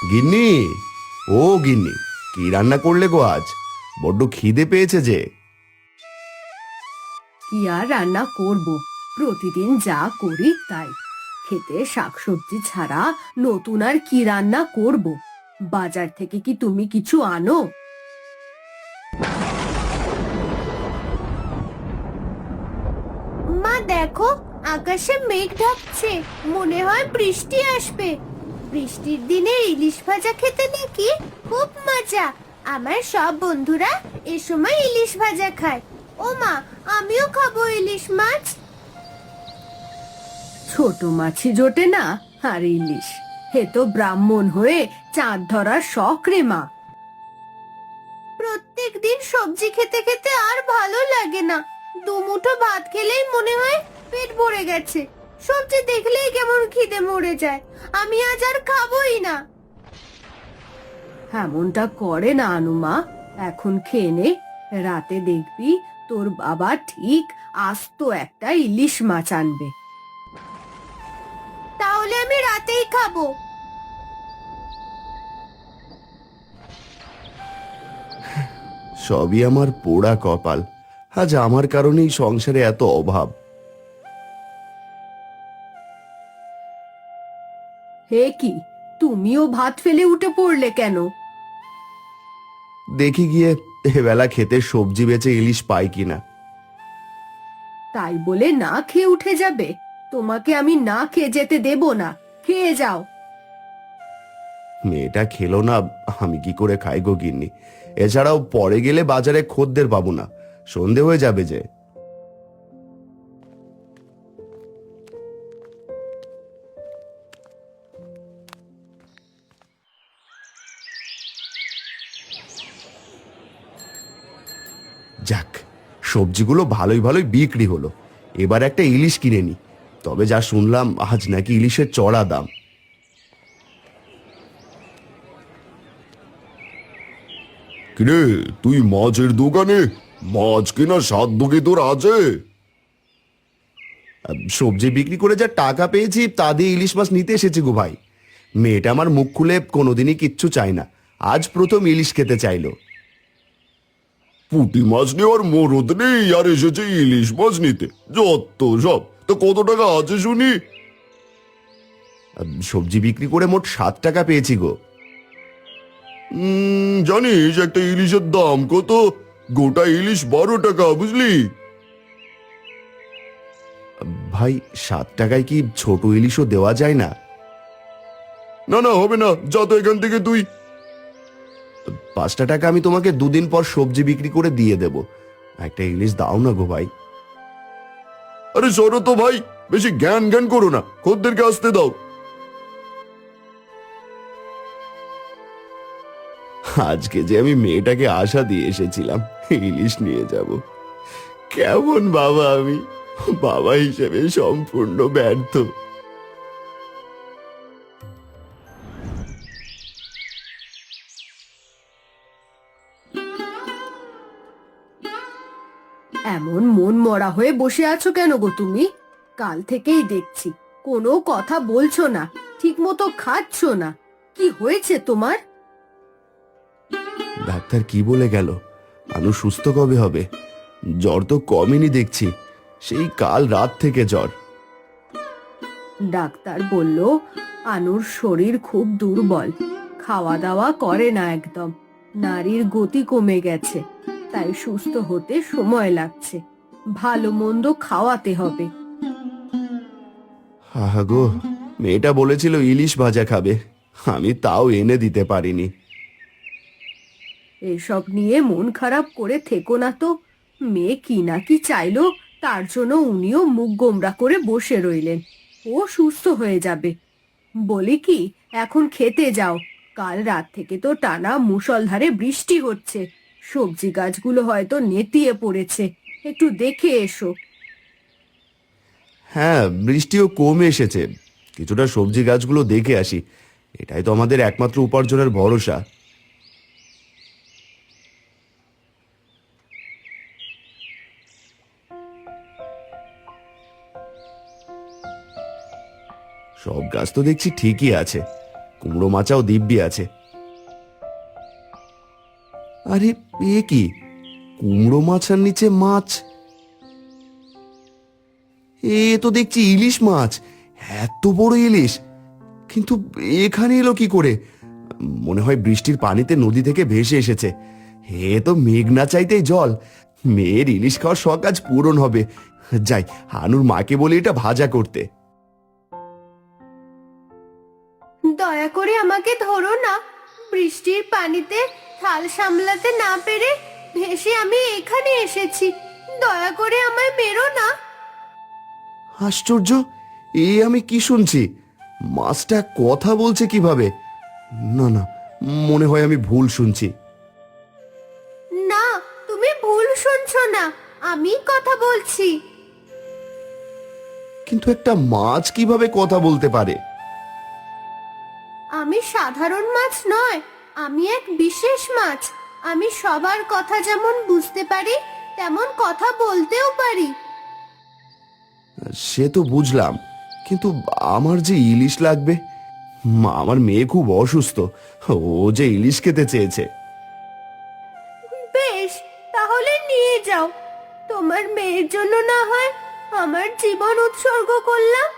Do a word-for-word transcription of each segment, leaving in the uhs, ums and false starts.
গিন্নি, ও গিন্নি, কি রান্না করলে গো আজ? বড্ড খিদে পেয়েছে যে। কি আর রান্না করব, প্রতিদিন যা করি তাই। খেতে শাকসবজি ছাড়া নতুন আর কি রান্না করব? বাজার থেকে কি তুমি কিছু আনো? মা দেখো, আকাশে মেঘ ঢাকছে, মনে হয় বৃষ্টি আসবে। বৃষ্টির দিনে ইলিশ ভাজা খেতে নাকি খুব মজা। আমার সব বন্ধুরা এ সময় ইলিশ ভাজা খায়। ও মা, আমিও খাবো ইলিশ মাছ। ছোট মাছই জোটে না, আর ইলিশ, হে তো ব্রাহ্মণ হয়ে চাঁদ ধরার শখ রে মা। প্রত্যেক দিন সবজি খেতে খেতে আর ভালো লাগে না। দুমুঠো ভাত খেলেই মনে হয় পেট ভরে গেছে। সবজি দেখলেই কেমন খিদে মরে যায়। আমি আজ আর খাবোই না। এমনটা করে না আনুমা, এখন খেয়ে নে। রাতে দেখবি তোর বাবা ঠিক আস্ত একটা ইলিশ মাছ আনবে। তাহলে আমি রাতেই খাবো। সবই আমার পোড়া কপাল। আজ আমার কারণেই সংসারে এত অভাব। হে কি, তুমিও ভাত ফেলে উঠে পড়লে কেন? দেখি গিয়ে এবেলা খেতে সবজি বেচে ইলিশ পাই কিনা। তাই বলে না খেয়ে উঠে যাবে? তোমাকে আমি না খেয়ে যেতে দেব না, খেয়ে যাও। মেয়েটা খেলো না, আমি কি করে খাই গো গিন্নি? এছাড়াও পরে গেলে বাজারে খদ্দের পাবো না, সন্ধে হয়ে যাবে যে। যাক, সবজিগুলো ভালোই ভালোই বিক্রি হলো। এবার একটা ইলিশ কিনে নি। তবে যা শুনলাম আজ নাকি ইলিশের চড়া দাম। কিরে, তুই মাছের দোকানে? মাছ কেনার সাধ্য কি তোর আছে? সবজি বিক্রি করে যা টাকা পেয়েছি তা দিয়ে ইলিশ মাছ নিতে এসেছি গো ভাই। মেয়েটা আমার মুখ খুলে কোনোদিনই কিচ্ছু চায় না, আজ প্রথম ইলিশ খেতে চাইলো। পুঁটি মাছ নেওয়ার মরদ নেই আর এসেছে ইলিশ মাছ নিতে, যত সব। তো কত টাকা আছে শুনি? সবজি বিক্রি করে মোট সাত টাকা পেয়েছি গো। উম, জানিস একটা ইলিশের দাম কত? গোটা ইলিশ বারো টাকা, বুঝলি? ভাই, সাত টাকায় কি ছোট ইলিশও দেওয়া যায় না? না না, হবে না, যা তো এখান থেকে তুই। পাঁচটা টাকা আমি তোমাকে দুদিন পর সবজি বিক্রি করে দিয়ে দেব। একটা ইলিশ দাও না গো ভাই। আরে সরো তো ভাই, বেশি জ্ঞান জ্ঞান করো না, খদ্দেরকে আসতে দাও। আজকে যে আমি মেয়েটাকে আশা দিয়ে এসেছিলাম ইলিশ নিয়ে যাব, কেমন বাবা আমি! বাবা হিসেবে সম্পূর্ণ ব্যর্থ। এমন মন মরা হয়ে বসে আছো কেন গো তুমি? কাল থেকেই দেখছি কোনো কথা বলছো না, ঠিক মতো খাচ্ছ না। কি হয়েছে তোমার? ডাক্তার কি বলে গেল? আনু সুস্থ কবে হবে? জ্বর তো কমেনি দেখছি, সেই কাল রাত থেকে জ্বর। ডাক্তার বলল আনুর শরীর খুব দুর্বল, খাওয়া দাওয়া করে না একদম, নারীর গতি কমে গেছে, তাই সুস্থ হতে সময় লাগছে। ভালো মন্দ খাওয়াতে হবে। আহা গো, মেয়েটা বলেছিল ইলিশ ভাজা খাবে, আমি তাও এনে দিতে পারিনি। এসব নিয়ে মন খারাপ করে থেকো না তো। মেয়ে কি না কি চাইলো, তার জন্য উনিও মুখ গোমড়া করে বসে রইলেন। ও সুস্থ হয়ে যাবে। বলি কি, এখন খেতে যাও। কাল রাত থেকে তো টানা মুষলধারে বৃষ্টি হচ্ছে, সবজি গাছগুলো হয়তো নেতিয়ে পড়েছে, একটু দেখে এসো। হ্যাঁ, বৃষ্টিও কমে এসেছে, কিছুটা সবজি গাছগুলো দেখে আসি। এটাই তো আমাদের একমাত্র উপার্জনের ভরসা। সব গাছ তো দেখছি ঠিকই আছে, কুমড়ো মাচাও দিব্যি আছে। আরে এ কি, কুমড়ো মাছার নিচে মাছ! এ তো দেখছি ইলিশ মাছ, এত বড় ইলিশ! কিন্তু এখানে এলো কি করে? মনে হয় বৃষ্টির পানিতে নদী থেকে ভেসে এসেছে। এ তো মেঘ না চাইতেই জল। মেয়ের ইলিশ খাওয়ার শখ আজ পূরণ হবে। যাই, হানুর মাকে বলি এটা ভাজা করতে। দয়া করে আমাকে ধরো না, বৃষ্টির পানিতে থাল সামলাতে না পেরে ভেসে আমি এখানে এসেছি। দয়া করে আমায় মেরো না। আশ্চর্য, এ আমি কি শুনছি? মাছটা কথা বলছে কিভাবে? না না, মনে হয় আমি ভুল শুনছি। না, তুমি ভুল শুনছো না, আমি কথা বলছি। কিন্তু একটা মাছ কিভাবে কথা বলতে পারে? আমি সাধারণ মাছ নয়, আমি এক বিশেষ মাছ। আমি সবার কথা যেমন বুঝতে পারি, তেমন কথা বলতেও পারি। সে তো বুঝলাম, কিন্তু আমার যে ইলিশ লাগবে, মা, আমার মেয়ে খুব অসুস্থ, ও যে ইলিশ খেতে চেয়েছে। বেশ, তাহলে নিয়ে যাও। তোমার মেয়ের জন্য না হয় আমার জীবন উৎসর্গ করলাম।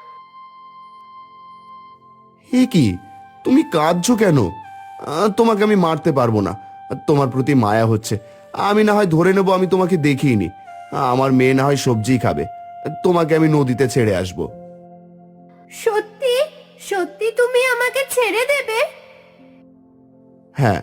এ কি, তুমি কাঁদছো কেন? আহ, তোমাকে আমি মারতে পারবো না। তোমার প্রতি মায়া হচ্ছে, আমি না হয় ধরে নেবো আমি তোমাকে দেখিনি। আমার মেয়ে না হয় সবজি খাবে, তোমাকে আমি নদীতে ছেড়ে আসবো। সত্যি সত্যি তুমি আমাকে ছেড়ে দেবে? হ্যাঁ।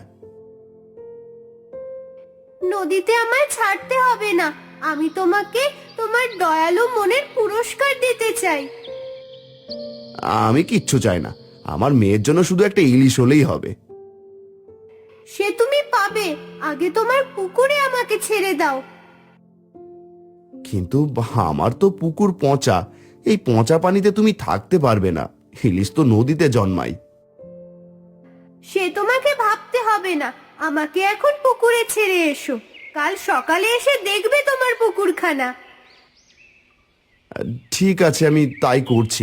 নদীতে আমায় ছাড়তে হবে না, আমি তোমাকে তোমার দয়ালু মনের পুরস্কার দিতে চাই। আমি কিচ্ছু চাই না, আমার মেয়ের জন্য শুধু একটা ইলিশ হলেই হবে। সে তুমি পাবে, আগে তোমার পুকুরে আমাকে ছেড়ে দাও। কিন্তু আমার তো পুকুর পচা, এই পচা পানিতে তুমি থাকতে পারবে না। ইলিশ তো নদীতে জন্মায়। সে তোমাকে ভাবতে হবে না, আমাকে এখন পুকুরে ছেড়ে এসো। কাল সকালে এসে দেখবে তোমার পুকুরখানা। ঠিক আছে, আমি তাই করছি।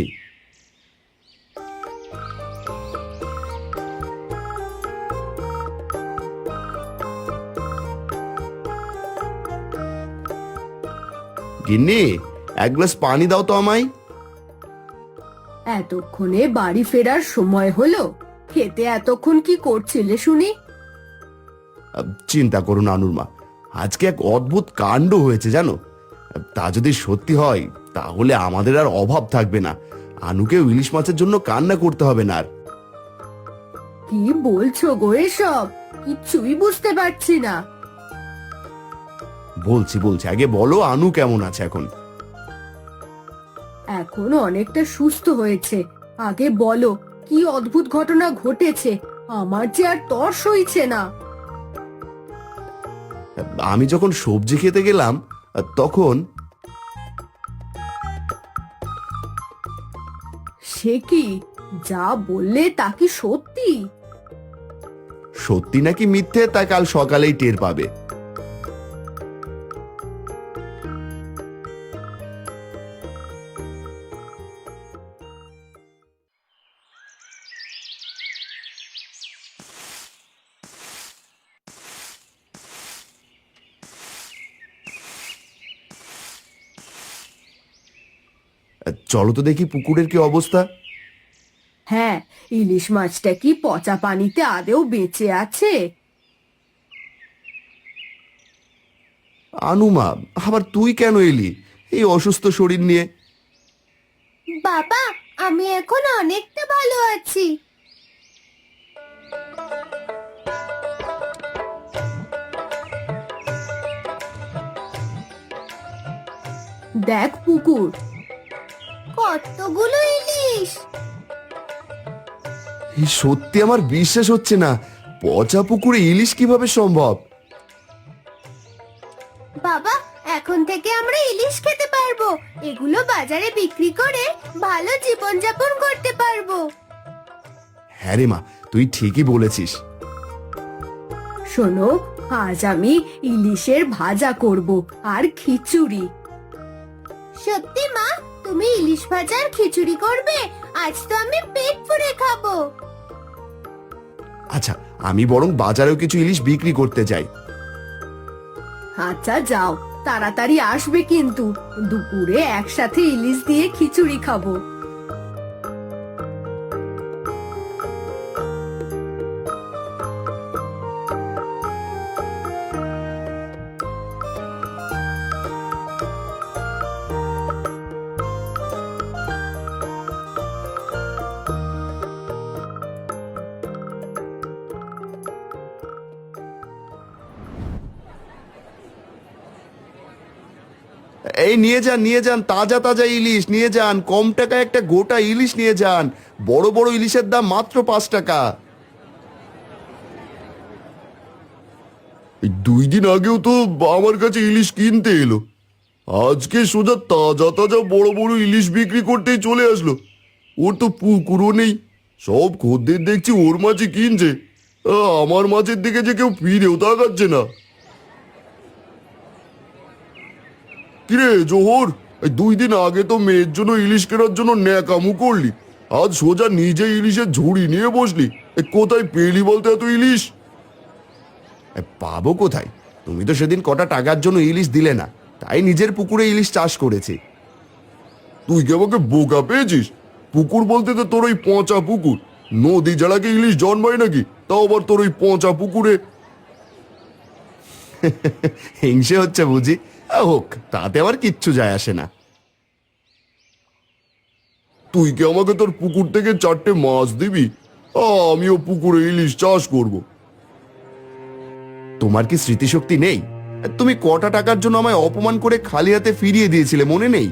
গিন্নি, এক গ্লাস পানি দাও তো আমায়। এতক্ষণে বাড়ি ফেরার সময় হলো? খেতে এতক্ষণ কি করছিলে শুনি? আহ, চিন্তা করুন আনুর মা, আজকে এক অদ্ভুত কাণ্ড হয়েছে জানো। তা যদি সত্যি হয় তাহলে আমাদের আর অভাব থাকবে না। আনুকেও ইলিশ মাছের জন্য কান্না করতে হবে না আর। কি বলছো গো এসব? কিচ্ছুই বুঝতে পারছি না। বলছি বলছি, আগে বলো আনু কেমন আছে এখন? এখন অনেকটা সুস্থ হয়েছে। আগে বলো, কি অদ্ভুত ঘটনা ঘটেছে? আমার যে আর তর সইছে না। আমি যখন সবজি খেতে গেলাম তখন। সে কি, যা বললে তা কি সত্যি? সত্যি নাকি মিথ্যে তা কাল সকালেই টের পাবে। চলো তো দেখি পুকুরের কি অবস্থা। হ্যাঁ, ইলিশ মাছটা কি পচা পানিতে আদেও বেঁচে আছে? আনুমা, আবার তুই কেন এলি এই অসুস্থ শরীর নিয়ে? বাবা, আমি এখন অনেকটা ভালো আছি। দেখ পুকুর, কতগুলো ইলিশ! এই সত্যি আমার বিশ্বাস হচ্ছে না, পচা পুকুরে ইলিশ কিভাবে সম্ভব? বাবা, এখন থেকে আমরা ইলিশ খেতে পারবো। এগুলো বাজারে বিক্রি করে ভালো জীবনযাপন করতে পারবো। হ্যাঁ রে মা, তুই ঠিকই বলেছিস। শোনো, আজ আমি ইলিশের ভাজা করব আর খিচুড়ি। সত্যি মা, তুমি ইলিশ ভাজা আর খিচুড়ি করবে? আজ তো আমি পেট পুড়ে খাবো। আচ্ছা, আমি বরং বাজারেও কিছু ইলিশ বিক্রি করতে যাই। আচ্ছা যাও, তাড়াতাড়ি আসবে কিন্তু, দুপুরে একসাথে ইলিশ দিয়ে খিচুড়ি খাবো। এই নিয়ে যান, নিয়ে যান, তাজা তাজা ইলিশ নিয়ে যান, কম টাকায় একটা গোটা ইলিশ নিয়ে যান। বড় বড় ইলিশের দাম মাত্র পাঁচ টাকা। এই দুই দিন আগেও তো আমার কাছে ইলিশ কিনতে এলো, আজকে সোজা তাজা তাজা বড় বড় ইলিশ বিক্রি করতেই চলে আসলো। ওর তো পুকুরও নেই, সব খদ্দের দেখছি ওর মাছই কিনছে। আ, আমার মাছের দিকে যে কেউ ফিরেও তাকাচ্ছে না। কিরে জোহর, এই দুই দিন আগে তো মেয়ের জন্য ইলিশ কেনার জন্য ন্যাকামু করলি, আজ সোজা নিজে ইলিশের ঝুড়ি নিয়ে বসলি। এ কোথায় পেলি বলতে এত ইলিশ? এ, পাবো কোথায়? তুমি তো সেদিন কটা টাকার জন্য ইলিশ দিলে না, তাই নিজের পুকুরে ইলিশ চাষ করেছি। তুই কি আমাকে বোকা পেয়েছিস? পুকুর বলতে তো তোর ওই পচা পুকুর, নদী ছাড়া কি ইলিশ জন্মায় নাকি, তাও আবার তোর ওই পচা পুকুরে। হিংসে হচ্ছে বুঝি? আ, হোক, তাতে আবার কিচ্ছু যায় আসে না। তুই কি আমাকে তোর পুকুর থেকে চারটে মাছ দিবি? আ, আমিও পুকুরে ইলিশ চাষ করব। তোমার কি স্মৃতিশক্তি নেই? তুমি কটা টাকার জন্য আমায় অপমান করে খালি হাতে ফিরিয়ে দিয়েছিলে, মনে নেই?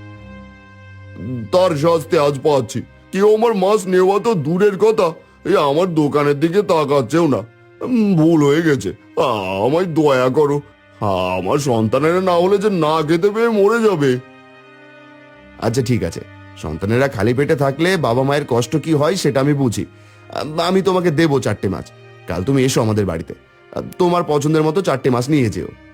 তার শাস্তি আজ পাচ্ছি। কেউ আমার মাছ নেওয়া তো দূরের কথা, এই আমার দোকানের দিকে তাকাচ্ছেও না। উম, ভুল হয়ে গেছে, আ, আমায় দয়া করো। আ, আমার সন্তানেরা না হলে যে না খেতে পেয়ে মরে যাবে। আচ্ছা ঠিক আছে, সন্তানেরা খালি পেটে থাকলে বাবা মায়ের কষ্ট কি হয় সেটা আমি বুঝি। আ, আমি তোমাকে দেবো চারটে মাছ। কাল তুমি এসো আমাদের বাড়িতে, আ, তোমার পছন্দের মতো চারটে মাছ নিয়ে যেও।